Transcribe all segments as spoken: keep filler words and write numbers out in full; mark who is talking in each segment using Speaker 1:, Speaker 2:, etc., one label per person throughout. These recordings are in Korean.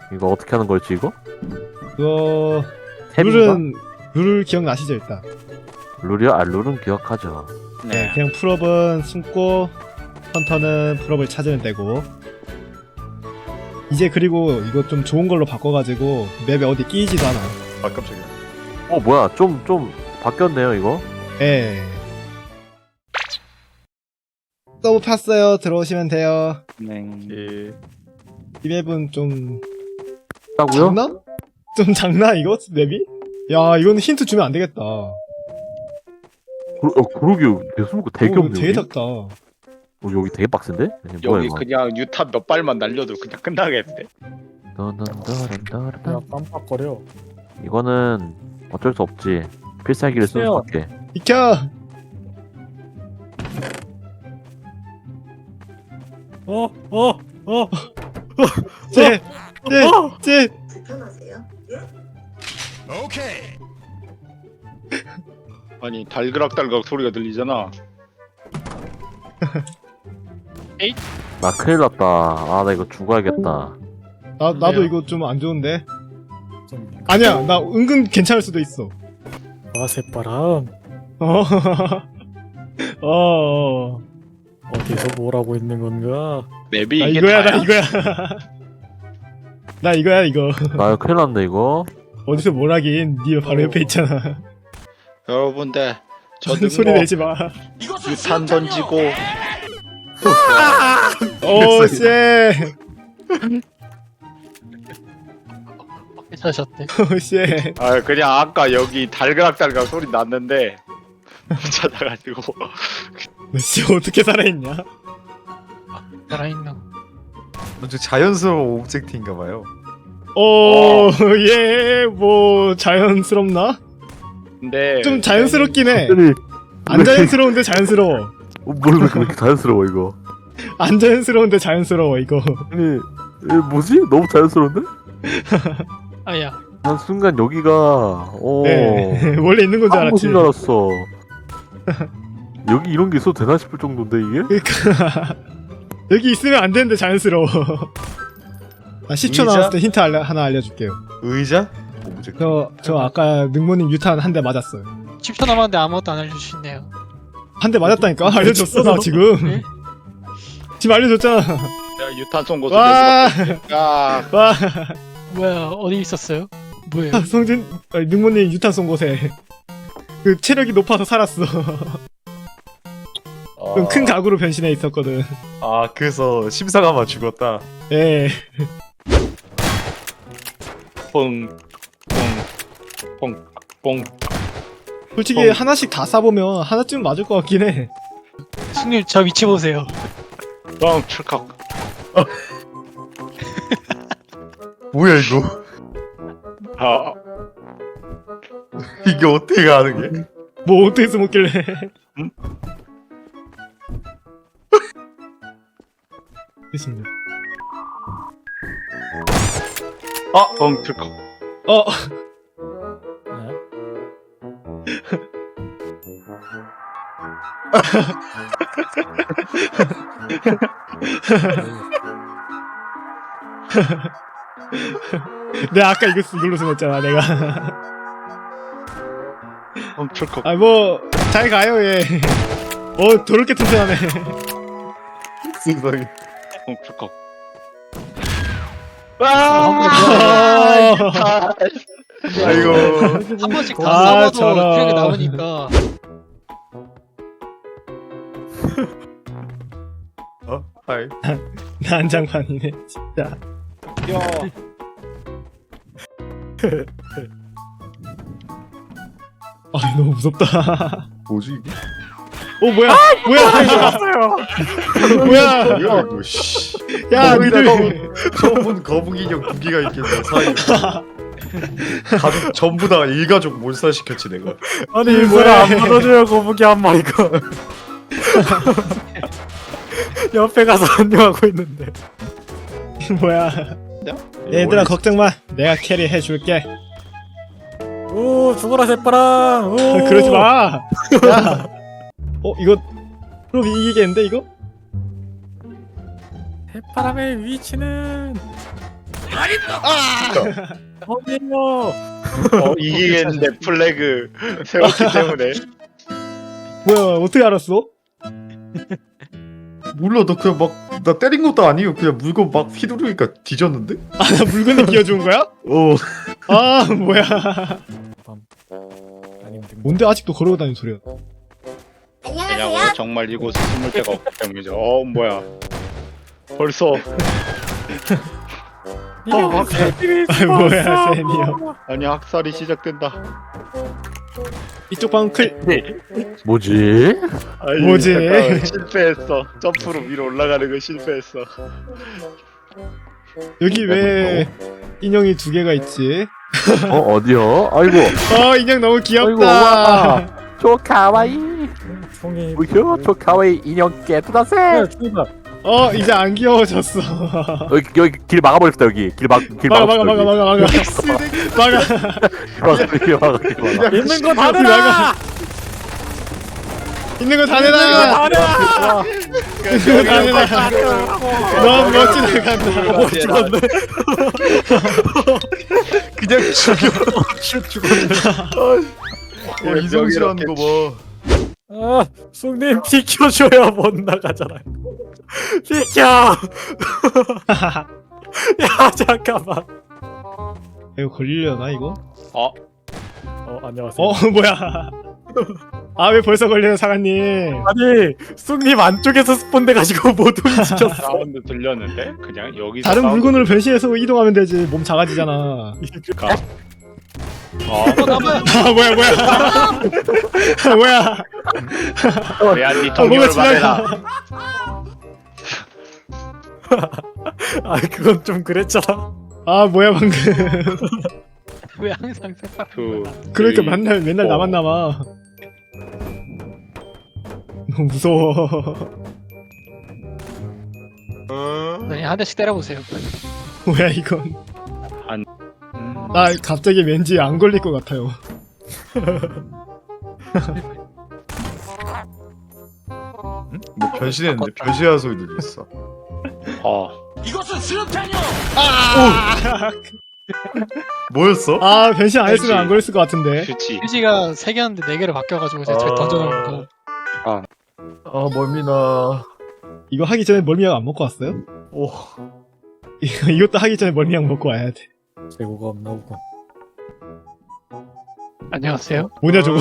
Speaker 1: 이거 어떻게 하는 걸지 이거?
Speaker 2: 그거
Speaker 1: 템인가?
Speaker 2: 룰은 룰 기억나시죠 일단?
Speaker 1: 룰이요? 아 룰은 기억하죠.
Speaker 2: 네. 그냥 풀업은 숨고 헌터는 풀업을 찾으면 되고. 이제 그리고 이거 좀 좋은 걸로 바꿔가지고 맵에 어디 끼이지도 않아.
Speaker 3: 아 깜짝이야.
Speaker 1: 어 뭐야 좀 좀 바뀌었네요 이거.
Speaker 2: 예. 서브 팠어요. 들어오시면 돼요.
Speaker 4: 네.
Speaker 3: 예.
Speaker 2: 이 맵은 좀
Speaker 1: 있다고요?
Speaker 2: 작나? 좀 작나 이거 맵이? 야 이거는 힌트 주면 안 되겠다.
Speaker 1: 그, 어 그러게요. 대수목가 되게
Speaker 2: 오,
Speaker 1: 없네.
Speaker 2: 되게
Speaker 1: 여기.
Speaker 2: 작다.
Speaker 1: 어, 여기 되게 빡센데? 이게 뭐야
Speaker 4: 여기
Speaker 1: 이거?
Speaker 4: 그냥 유탄 몇 발만 날려도 그냥 끝나겠는데.
Speaker 1: 던던던던던.
Speaker 5: 야 깜빡거려.
Speaker 1: 이거는 어쩔 수 없지. 필살기를 쓸
Speaker 5: 글쎄요.
Speaker 1: 수밖에.
Speaker 2: 비켜.
Speaker 5: 어, 어, 어.
Speaker 2: 쟤, 쟤, 쟤.
Speaker 6: 불편하세요?
Speaker 4: 아니 달그락달그락 소리가 들리잖아.
Speaker 1: 나 큰일 났다. 아 나 이거 죽어야겠다.
Speaker 2: 나 나도
Speaker 5: 왜요?
Speaker 2: 이거 좀 안 좋은데.
Speaker 5: 좀
Speaker 2: 아니야, 나 은근 괜찮을 수도 있어.
Speaker 5: 아, 새바람.
Speaker 2: 어, 어, 어.
Speaker 5: 어디서 뭘 하고 있는 건가?
Speaker 4: 맵이
Speaker 2: 나
Speaker 4: 이게
Speaker 2: 이거야,
Speaker 4: 다야?
Speaker 2: 나 이거야. 나 이거야, 이거.
Speaker 1: 나 이거 큰일 났네 이거.
Speaker 2: 어디서 뭘 하긴? 니 바로 옆에 있잖아.
Speaker 4: 여러분들
Speaker 2: 무슨
Speaker 4: 저도
Speaker 2: 소리
Speaker 4: 뭐
Speaker 2: 내지 마.
Speaker 4: 유탄 던지고
Speaker 2: 오, 쎄.
Speaker 5: 괜찮으셨대.
Speaker 2: 오, 쎄.
Speaker 4: 아 그냥 아까 여기 달그락달그락 소리 났는데 못 찾아가지고
Speaker 2: 너 씨, 어떻게 살아있냐?
Speaker 5: 살아있는.
Speaker 3: 아주 자연스러운 오브젝트인가봐요.
Speaker 2: 오, 예, 뭐, 자연스럽나?
Speaker 4: 근데
Speaker 2: 좀 자연스럽긴 해.
Speaker 1: 아니
Speaker 2: 안 자연스러운데 자연스러워.
Speaker 1: 어, 뭘왜 그렇게 자연스러워 이거?
Speaker 2: 안 자연스러운데 자연스러워, 이거.
Speaker 1: 아니 이 뭐지? 너무 자연스러운데?
Speaker 5: 아야.
Speaker 1: 난 순간 여기가 어
Speaker 2: 네. 원래 있는 건 줄
Speaker 1: 한
Speaker 2: 알았지.
Speaker 1: 곳인 줄 알았어. 여기 이런 게 있어도 되나 싶을 정도인데 이게?
Speaker 2: 그러니까 여기 있으면 안 되는데 자연스러워. 아, 십 초
Speaker 3: 의자?
Speaker 2: 남았을 때 힌트 알려, 하나 알려줄게요.
Speaker 3: 의자? 오브젝트.
Speaker 2: 저, 저 아까 능모님 유탄 한 대 맞았어요.
Speaker 5: 십 초 남았는데 아무것도 안 알려주시네요.
Speaker 2: 한 대 맞았다니까? 알려줬어, 나 지금.
Speaker 5: 네?
Speaker 2: 지금 알려줬잖아.
Speaker 4: 내가 유탄 쏜 곳을
Speaker 2: 와,
Speaker 4: 야
Speaker 2: 와,
Speaker 5: 뭐야, 어디 있었어요? 뭐예요?
Speaker 2: 성진, 아니, 능모님 유탄 쏜 곳에. 그 체력이 높아서 살았어. 좀 큰 가구로 변신해 있었거든.
Speaker 3: 아 그래서 심사가마 죽었다.
Speaker 2: 예.
Speaker 4: 뽕뽕뽕뽕
Speaker 2: 솔직히
Speaker 4: 어.
Speaker 2: 하나씩 다 쏴보면 하나쯤 맞을 것 같긴 해.
Speaker 5: 승률 저 위치 보세요.
Speaker 4: 뻥 출컥.
Speaker 3: 뭐야 이거?
Speaker 4: 아
Speaker 3: 이게 어떻게 가는 게?
Speaker 2: 뭐 어떻게 숨었길래. 됐습니다.
Speaker 4: 뻥 출컥.
Speaker 2: 어,
Speaker 5: 네?
Speaker 2: 내가 아까 이거 쓰- 이걸로 숨었잖아, 내가.
Speaker 4: 뻥 출컥.
Speaker 2: 아, 뭐, 잘 가요, 얘. 어, 더럽게 튼튼하네.
Speaker 3: 세상에.
Speaker 4: 뻥 출컥.
Speaker 2: 아,
Speaker 3: 아이고.
Speaker 5: 한 번씩 다
Speaker 2: 아,
Speaker 5: 써봐도
Speaker 2: 저런.
Speaker 5: 기억이 남으니까.
Speaker 3: 어? 하이.
Speaker 2: 난장판이네, 진짜.
Speaker 4: 야
Speaker 2: 아, 너무 무섭다.
Speaker 3: 뭐지 이게?
Speaker 2: 어, 뭐야, 뭐야, 이거. 뭐야,
Speaker 3: 뭐야 이거? 씨.
Speaker 2: 야,
Speaker 3: 거기다가
Speaker 2: 니들.
Speaker 3: 처음 본 거북이 인형 두 개가 있겠네 사이에. 가족 전부 다 일가족 몰살시켰지 내가.
Speaker 5: 아니,
Speaker 2: 일부러 안
Speaker 5: 받아줘요, 거북이 한 마리가. 옆에 가서 안녕하고 있는데.
Speaker 2: 뭐야. 얘들아,
Speaker 3: 원래
Speaker 2: 걱정 마. 내가 캐리 해줄게.
Speaker 5: 오, 죽어라, 새바람. 오.
Speaker 2: 그러지 마. 야. 어, 이거, 그럼 이기겠는데, 이거?
Speaker 5: 새바람의 위치는 어디요?
Speaker 4: 어, 이기겠는데 플래그 세웠기 때문에.
Speaker 2: 뭐야 어떻게 알았어?
Speaker 3: 몰라 나 그냥 막 나 때린 것도 아니고 그냥 물건 막 휘두르니까 뒤졌는데?
Speaker 2: 아 나 물건에 끼워준 거야?
Speaker 3: 어.
Speaker 2: 아 뭐야
Speaker 5: 아니면 등-
Speaker 2: 뭔데 아직도 걸어고 다니는 소리야
Speaker 4: 왜냐면 정말 이곳에 숨을 데가 없기 때문이죠. 어 뭐야? 벌써
Speaker 5: 이게 무슨 일이
Speaker 2: 아 뭐야
Speaker 5: 있었어?
Speaker 2: 세니어
Speaker 4: 아니 학살이 시작된다.
Speaker 2: 이쪽 방클
Speaker 1: 뭐지?
Speaker 4: 아니,
Speaker 2: 뭐지?
Speaker 4: 잠깐만, 실패했어. 점프로 위로 올라가는 거 실패했어.
Speaker 2: 여기 왜 인형이 두 개가 있지?
Speaker 1: 어 어디요? 아이고
Speaker 2: 어 인형 너무
Speaker 1: 아이고
Speaker 2: 귀엽다
Speaker 1: 와 조카와이
Speaker 5: 총이
Speaker 1: 우효 조카와이 인형 깨뚜다세
Speaker 5: 야, 총이다.
Speaker 2: 어 이제 안 귀여워졌어
Speaker 1: 여기 여기 길 막아버렸다 여기 길 막 길
Speaker 2: 막아 막아
Speaker 1: 막아
Speaker 2: 막아 막아 막아 막아
Speaker 1: 막아 길 막아 길 막아
Speaker 5: 있는 거 다
Speaker 2: 여기
Speaker 5: 내놔.
Speaker 2: 막아. 있는 거 다 내놔
Speaker 5: 다 내놔.
Speaker 2: 있는 거 다 내놔 너무 멋지게 간다
Speaker 5: 뭐 죽었네.
Speaker 3: 그냥 죽여.
Speaker 5: 슛 죽었네.
Speaker 3: 어, 이성실한 거 봐.
Speaker 5: 아, 쑥님 비켜줘야 못 나가잖아요. 비켜. 야 잠깐만.
Speaker 2: 이거 걸리려나 이거?
Speaker 4: 어
Speaker 5: 어 안녕하세요.
Speaker 2: 어 뭐야 아 왜 벌써 걸려요 사관님
Speaker 5: 아니 쑥님 안쪽에서 스폰돼가지고 못 움직였어.
Speaker 4: 사운드 들렸는데 그냥 여기서
Speaker 2: 다른
Speaker 4: 사운드
Speaker 2: 물건으로 변신해서 이동하면 되지 몸 작아지잖아
Speaker 4: 들릴까? 어
Speaker 2: 아 뭐야 뭐야 아, 뭐야
Speaker 4: 왜안니
Speaker 2: 아,
Speaker 4: 동료를
Speaker 2: 뭔가 지나가
Speaker 4: 말해라.
Speaker 5: 아 그건 좀 그랬잖아.
Speaker 2: 아 뭐야 방금
Speaker 6: 왜 항상 색깔
Speaker 4: 두
Speaker 2: 그러니까
Speaker 4: three,
Speaker 2: 맨날 맨날
Speaker 4: four.
Speaker 2: 나만 남아 너무 무서워
Speaker 6: 아니 한 대씩 때려보세요.
Speaker 2: 뭐야 이건
Speaker 4: 음,
Speaker 2: 나 갑자기 왠지 안 걸릴 것 같아요
Speaker 3: 뭐 변신했는데 변신한 소리 들렸어.
Speaker 4: 어
Speaker 3: 뭐였어?
Speaker 2: 아 변신 안 했으면 안 걸렸을 것 같은데
Speaker 4: 그치.
Speaker 6: 휴지가 세 개였는데 네 개를 바뀌어가지고 제가 저기
Speaker 3: 아.
Speaker 6: 던져놓은 거.
Speaker 3: 아 멀미나.
Speaker 2: 이거 하기 전에 멀미약 안 먹고 왔어요?
Speaker 3: 오.
Speaker 2: 이거, 이것도 하기 전에 멀미약 먹고 와야 돼
Speaker 5: 재고가 없나 보군.
Speaker 6: 안녕하세요.
Speaker 2: 뭐냐 저거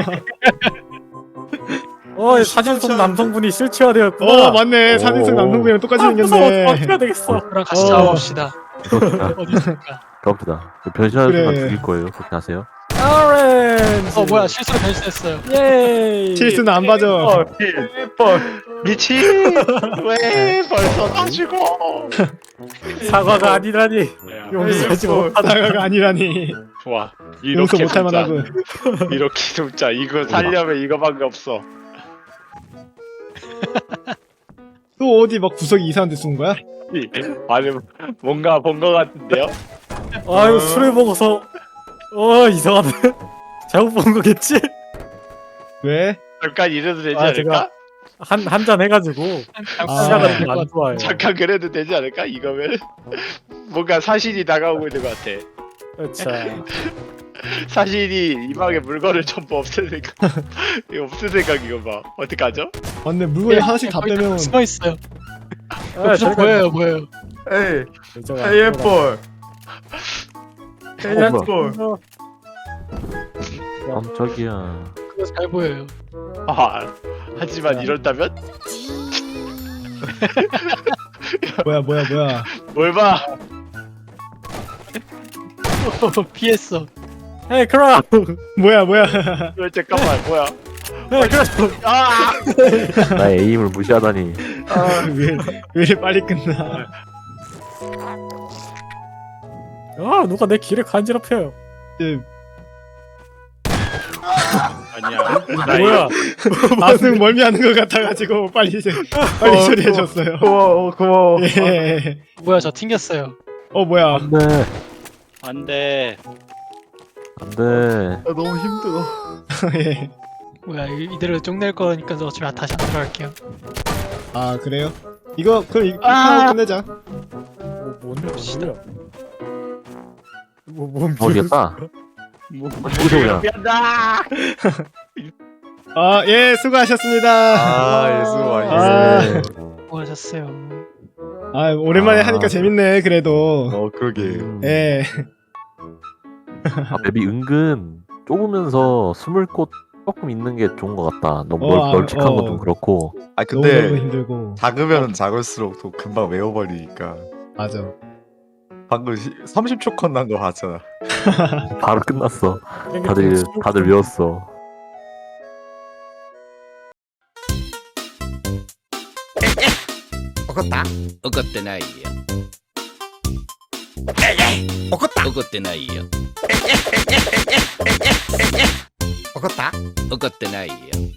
Speaker 5: 어 사진 속 남성분이 실체화되었구나.
Speaker 2: 어 맞네 사진 속
Speaker 1: 오.
Speaker 2: 남성분이랑 똑같이
Speaker 5: 아, 무서워.
Speaker 2: 생겼네
Speaker 5: 어떻게 해야 되겠어.
Speaker 6: 저랑 같이
Speaker 2: 어.
Speaker 6: 잡아봅시다.
Speaker 1: 그렇다
Speaker 6: 어디 있을까?
Speaker 1: 그렇다 변신하는 순간
Speaker 2: 그래.
Speaker 1: 죽일 거예요 그렇게 하세요
Speaker 5: 오렌지.
Speaker 6: 어 뭐야 실수로 변신했어요.
Speaker 5: 예이.
Speaker 2: 실수는 안 봐줘
Speaker 4: 미친. 왜 벌써 다 죽어?
Speaker 5: 사과가 아니라니. 용서하지 못하다.
Speaker 2: 사과가 아니라니
Speaker 4: 좋아.
Speaker 2: 용서
Speaker 4: 이렇게
Speaker 2: 못할
Speaker 4: 숨자.
Speaker 2: 만하군
Speaker 4: 이렇게 숨자. 이거 살려면 이거밖에 없어.
Speaker 2: 또 어디 막 구석이 이상한 데 쓴 거야?
Speaker 4: 이- 아니 뭔가 본 거 같은데요?
Speaker 5: 아유 술을 먹어서 어 이상하네. 잘못 본 거겠지?
Speaker 2: 왜?
Speaker 4: 잠깐 이래도 되지
Speaker 5: 아,
Speaker 4: 않을까?
Speaker 5: 제가- 한 한 잔 해가지고
Speaker 2: 아.
Speaker 5: 시야가 좀 안 좋아요.
Speaker 4: 잠깐 그래도 되지 않을까? 이거면 뭔가 사실이 다가오고 있는 것 같아.
Speaker 5: 자,
Speaker 4: 사실이 이 방에 물건을 전부 없앨 생각. 이거 없앨 생각 이거 봐. 어떡하죠?
Speaker 2: 맞네 물건을 하나씩 다 빼면
Speaker 6: 숨어 있어요.
Speaker 5: 아,
Speaker 6: 저 보여요 보여요.
Speaker 3: 에이.
Speaker 5: 여자가
Speaker 3: 헤이 애플. 헤이
Speaker 1: 어머.
Speaker 3: 애플.
Speaker 1: 깜짝이야
Speaker 6: 그거 잘 보여요.
Speaker 4: 아 하지만 이렇다면
Speaker 2: 뭐야 뭐야 뭐야
Speaker 4: 뭘 봐?
Speaker 6: 피했어.
Speaker 5: 헤이 크라.
Speaker 2: 뭐야 뭐야
Speaker 4: 왜 잠깐만 뭐야?
Speaker 5: 헤이 크라.
Speaker 4: 아!
Speaker 1: 나의 에임을 무시하다니
Speaker 2: 왜, 왜 이렇게 빨리 끝나
Speaker 5: 아 누가 내 길을 간지럽혀요.
Speaker 2: 예,
Speaker 4: 아니야. 나
Speaker 5: 뭐야?
Speaker 2: 아승 멀미하는 것 같아가지고 빨리 이제 빨리
Speaker 3: 어,
Speaker 2: 처리해줬어요
Speaker 3: 고마워 고마워.
Speaker 2: 예.
Speaker 6: 뭐야 저 튕겼어요.
Speaker 2: 어 뭐야
Speaker 1: 안돼
Speaker 4: 안돼.
Speaker 1: 안돼
Speaker 3: 나 너무 힘들어.
Speaker 2: 예.
Speaker 6: 뭐야 이- 이대로 쪽낼 거니까 저 어차피 다시 안 들어갈게요.
Speaker 2: 아 그래요? 이거 그럼 이, 이
Speaker 6: 아!
Speaker 2: 하고 끝내자
Speaker 5: 뭐 뭔데 뭐야? 뭐, 뭔
Speaker 1: 어 이겼다. 여기서 그냥
Speaker 4: 미안다.
Speaker 2: 아, 예, 수고하셨습니다.
Speaker 3: 아 예수
Speaker 2: 아.
Speaker 3: 많이
Speaker 6: 수고하셨어요.
Speaker 2: 아, 오랜만에
Speaker 1: 아.
Speaker 2: 하니까 재밌네, 그래도.
Speaker 3: 어 그러게.
Speaker 1: 음.
Speaker 2: 예.
Speaker 1: 아, 맵이 은근 좁으면서 숨을 곳 조금 있는 게 좋은 것 같다. 너무 널,
Speaker 2: 어, 아,
Speaker 1: 널찍한
Speaker 2: 어.
Speaker 1: 건 좀 그렇고.
Speaker 3: 아
Speaker 2: 너무 너무
Speaker 3: 근데
Speaker 2: 힘들고.
Speaker 3: 작으면 작을수록 또 금방 외워버리니까.
Speaker 2: 맞아.
Speaker 3: 방금 시- 삼십 초 컷 난 거 봤잖아.
Speaker 1: 바로 끝났어.
Speaker 5: 땡겨
Speaker 1: 다들
Speaker 5: 땡겨.
Speaker 1: 다들 외웠어.
Speaker 7: 怒ってないよ怒った怒ってないよ怒った怒ってないよ